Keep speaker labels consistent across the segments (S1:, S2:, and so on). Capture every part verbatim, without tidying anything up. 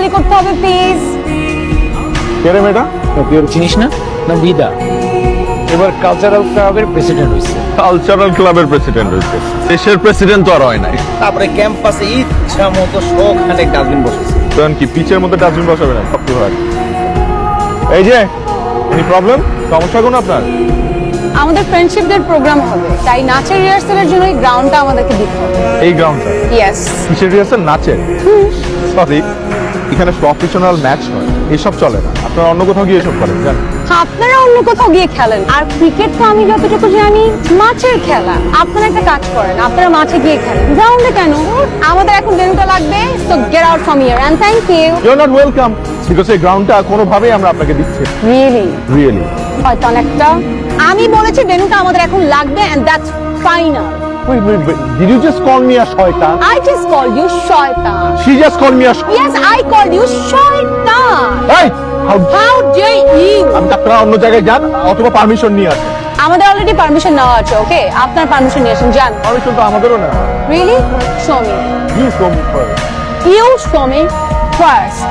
S1: খালি করতে হবে প্লিজ।
S2: কে রে মেয়েটা?
S3: তুই ওর চিনিস না? না বিদা এবার কালচারাল ক্লাবের প্রেসিডেন্ট হয়েছে।
S2: কালচারাল ক্লাবের প্রেসিডেন্ট হয়েছে, দেশের প্রেসিডেন্ট তো আর হয় নাই।
S3: তারপরে ক্যাম্পাসে ইচ্ছা মতো শোখানে ডাস্টবিন বসেছে।
S2: তখন কি পিচের মধ্যে ডাস্টবিন বসাবে না? সব তো হয়। এই যে এনি প্রবলেম, সমস্যা কোন আপনার?
S1: আমাদের ফ্রেন্ডশিপ ডে প্রোগ্রাম হবে, তাই নাচের রিহার্সালের জন্য এই গ্রাউন্ডটা আমাদেরকে দিতে হবে।
S2: এই গ্রাউন্ডটা
S1: ইয়েস।
S2: কিসের রিহার্সাল? নাচের? সরি, এখানে প্রফেশনাল ম্যাচ হয়, এসব চলে না। আপনারা অন্য কোথাও গিয়ে এসব করেন জানেন?
S1: আপনারা অন্য কোথাও গিয়ে খেলেন, আর ক্রিকেট তো আমি যতটুকু জানি মাঠের খেলা। আপনারা একটা কাজ করেন, আপনারা মাঠে গিয়ে খেলেন, গ্রাউন্ডে কেন? আমাদের এখন ডেনুটা লাগবে, so get out from here and thank you.
S2: You are not welcome, because এই গ্রাউন্ডটা কোনোভাবেই আমরা আপনাকে দিচ্ছি না।
S1: Really
S2: really.
S1: শয়তান একটা। আমি বলেছি ডেনুটা আমাদের এখন লাগবে and that's final.
S2: Wait, wait, wait. Did you just call me a শয়তান?
S1: I just called you শয়তান।
S2: She just called me a sh-
S1: Yes, I called you শয়তান।
S2: Hey! How
S1: How dare you?
S2: আমি আপনারা অন্য জায়গায় যান অথবা permission নিয়ে আসেন।
S1: আমাদের অলরেডি পারমিশন নেওয়া আছে, ওকে? আপনার পারমিশন নিয়ে আসেন, যান।
S2: পারমিশন তো আমাদেরও না।
S1: Really? Show me.
S2: You show me first.
S1: You show me first.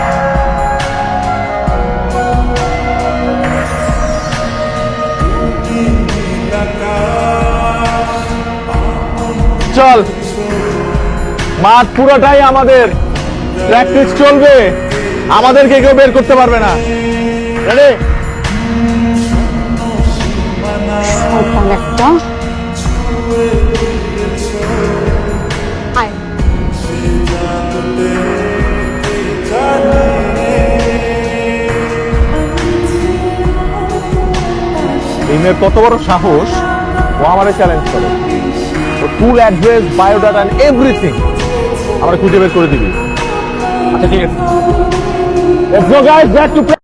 S2: চল, মাঠ পুরোটাই আমাদের, প্র্যাকটিস চলবে, আমাদেরকে কেউ বের করতে পারবে না। রেডি?
S1: শয়তান একটা। আয়।
S2: এই মেয়ের কত বড় সাহস, ও আমাদের চ্যালেঞ্জ করে। ও full address, biodata and everything আমরা খুঁজে বের করে দিবি। আচ্ছা ঠিক আছে, let's go guys, back two